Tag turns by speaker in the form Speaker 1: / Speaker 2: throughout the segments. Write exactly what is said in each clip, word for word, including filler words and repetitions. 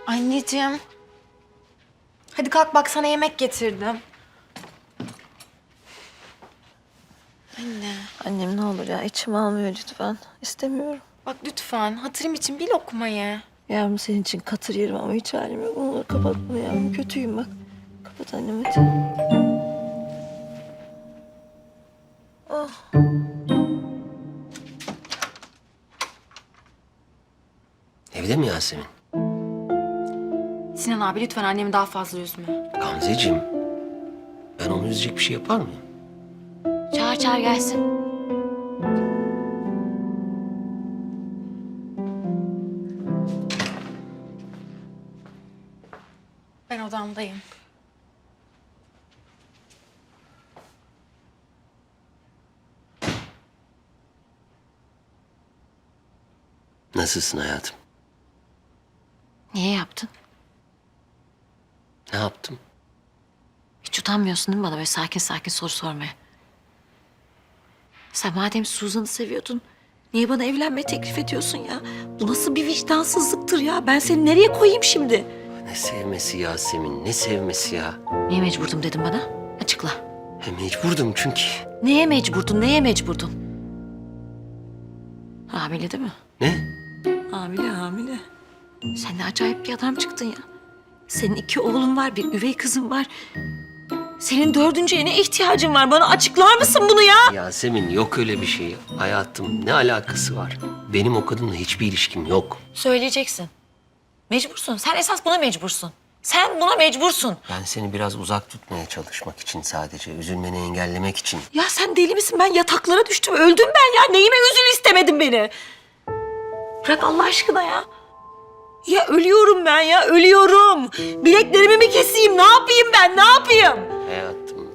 Speaker 1: Anneciğim. Hadi kalk bak sana yemek getirdim. Anne.
Speaker 2: Annem ne olur ya içim almıyor lütfen. İstemiyorum.
Speaker 1: Bak lütfen hatırım için bir lokma ye.
Speaker 2: Yavrum senin için katır yerim ama hiç halim yok. Ne olur kapat bunu yavrum. Kötüyüm bak. Kapat annem hadi. Oh.
Speaker 3: Evde mi Yasemin?
Speaker 1: Sinan abi lütfen annemi daha fazla üzme.
Speaker 3: Gamzeciğim, ben onu üzecek bir şey yapar mıyım?
Speaker 1: Çağır çağır gelsin. Ben odamdayım.
Speaker 3: Nasılsın hayatım?
Speaker 2: Niye yaptın?
Speaker 3: Ne yaptım?
Speaker 2: Hiç utanmıyorsun değil mi bana böyle sakin sakin soru sormaya? Sen madem Suzan'ı seviyordun, niye bana evlenme teklif ediyorsun ya? Bu nasıl bir vicdansızlıktır ya? Ben seni nereye koyayım şimdi?
Speaker 3: Ne sevmesi Yasemin, ne sevmesi ya?
Speaker 2: Niye mecburdum dedim bana? Açıkla.
Speaker 3: He, mecburdum çünkü.
Speaker 2: Neye mecburdun, neye mecburdun? Hamile değil mi?
Speaker 3: Ne?
Speaker 2: Hamile, hamile. Sen ne acayip bir adam çıktın ya. Senin iki oğlun var, bir üvey kızın var. Senin dördüncüye ne ihtiyacın var? Bana açıklar mısın bunu ya?
Speaker 3: Yasemin yok öyle bir şey. Hayatım ne alakası var? Benim o kadınla hiçbir ilişkim yok.
Speaker 2: Söyleyeceksin. Mecbursun. Sen esas buna mecbursun. Sen buna mecbursun.
Speaker 3: Ben seni biraz uzak tutmaya çalışmak için sadece, üzülmeni engellemek için.
Speaker 2: Ya sen deli misin? Ben yataklara düştüm. Öldüm ben ya. Neyime üzül istemedin beni? Bırak Allah aşkına ya. Ya ölüyorum ben ya. Ölüyorum. Bileklerimi mi keseyim? Ne yapayım ben? Ne yapayım?
Speaker 3: Hayatım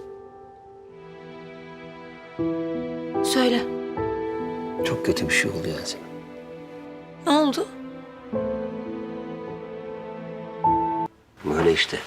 Speaker 2: Söyle.
Speaker 3: çok kötü bir şey oldu Yasemin.
Speaker 2: Ne oldu?
Speaker 3: Böyle işte.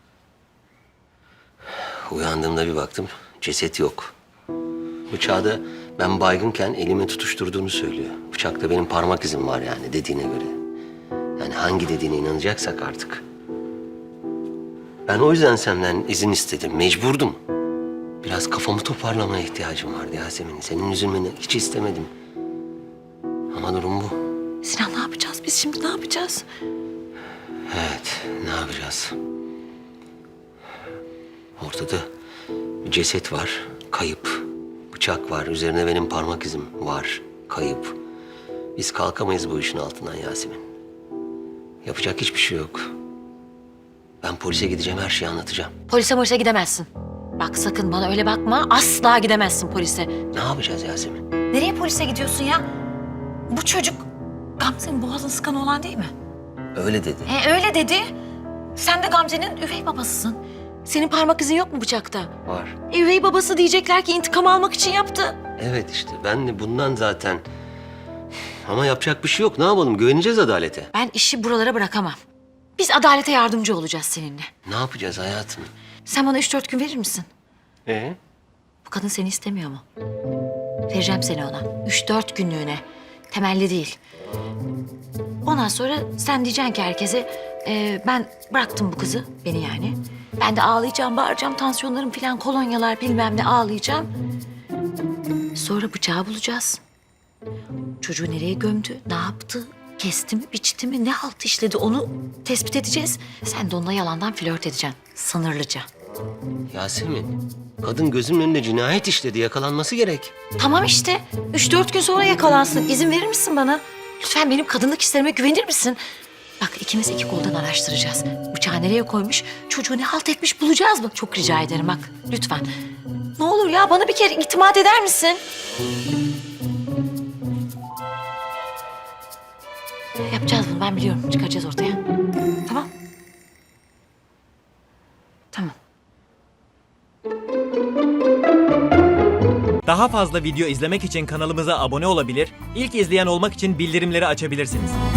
Speaker 3: Uyandığımda bir baktım ceset yok. Bıçağı da ben baygınken elime tutuşturduğunu söylüyor. Bıçakta benim parmak izim var yani dediğine göre. Yani hangi dediğine inanacaksak artık. Ben o yüzden senden izin istedim. Mecburdum. Biraz kafamı toparlamaya ihtiyacım vardı Yasemin. Senin üzülmeni hiç istemedim. Ama durum bu.
Speaker 2: Sinan ne yapacağız biz şimdi? Ne yapacağız?
Speaker 3: Evet, ne yapacağız? Ortada bir ceset var, kayıp. Bıçak var, üzerine benim parmak izim var, kayıp. Biz kalkamayız bu işin altından Yasemin. Yapacak hiçbir şey yok. Ben polise gideceğim, her şeyi anlatacağım.
Speaker 2: Polise polise gidemezsin. Bak sakın bana öyle bakma. Asla gidemezsin polise.
Speaker 3: Ne yapacağız Yasemin?
Speaker 2: Nereye polise gidiyorsun ya? Bu çocuk Gamze'nin boğazını sıkan olan değil mi?
Speaker 3: Öyle dedi.
Speaker 2: E öyle dedi. Sen de Gamze'nin üvey babasısın. Senin parmak izin yok mu bıçakta?
Speaker 3: Var.
Speaker 2: E, üvey babası diyecekler ki intikam almak için yaptı.
Speaker 3: Evet işte, ben de bundan zaten... Ama yapacak bir şey yok, ne yapalım? Güveneceğiz adalete.
Speaker 2: Ben işi buralara bırakamam. Biz adalete yardımcı olacağız seninle.
Speaker 3: Ne yapacağız hayatım?
Speaker 2: Sen bana üç dört gün verir misin?
Speaker 3: Ee?
Speaker 2: Bu kadın seni istemiyor mu? Vereceğim seni ona. Üç dört günlüğüne. Temelli değil. Ondan sonra sen diyeceksin ki herkese... e, ben bıraktım bu kızı, beni yani. Ben de ağlayacağım, bağıracağım, tansiyonlarım falan, kolonyalar bilmem ne ağlayacağım. Sonra bıçağı bulacağız. Çocuğu nereye gömdü, ne yaptı, kesti mi, biçti mi, ne halt işledi onu tespit edeceğiz. Sen de onunla yalandan flört edeceksin, sınırlıca.
Speaker 3: Yasemin, kadın gözümün önünde cinayet işledi, yakalanması gerek.
Speaker 2: Tamam işte, üç dört gün sonra yakalansın. İzin verir misin bana? Lütfen benim kadınlık hislerime güvenir misin? Bak ikimiz iki koldan araştıracağız. Bıçağı nereye koymuş, çocuğu ne halt etmiş bulacağız mı? Çok rica ederim bak, lütfen. Ne olur ya, bana bir kere itimat eder misin? Yapacağız bunu, ben biliyorum. Çıkaracağız ortaya. Tamam. Tamam.
Speaker 4: Daha fazla video izlemek için kanalımıza abone olabilir, ilk izleyen olmak için bildirimleri açabilirsiniz.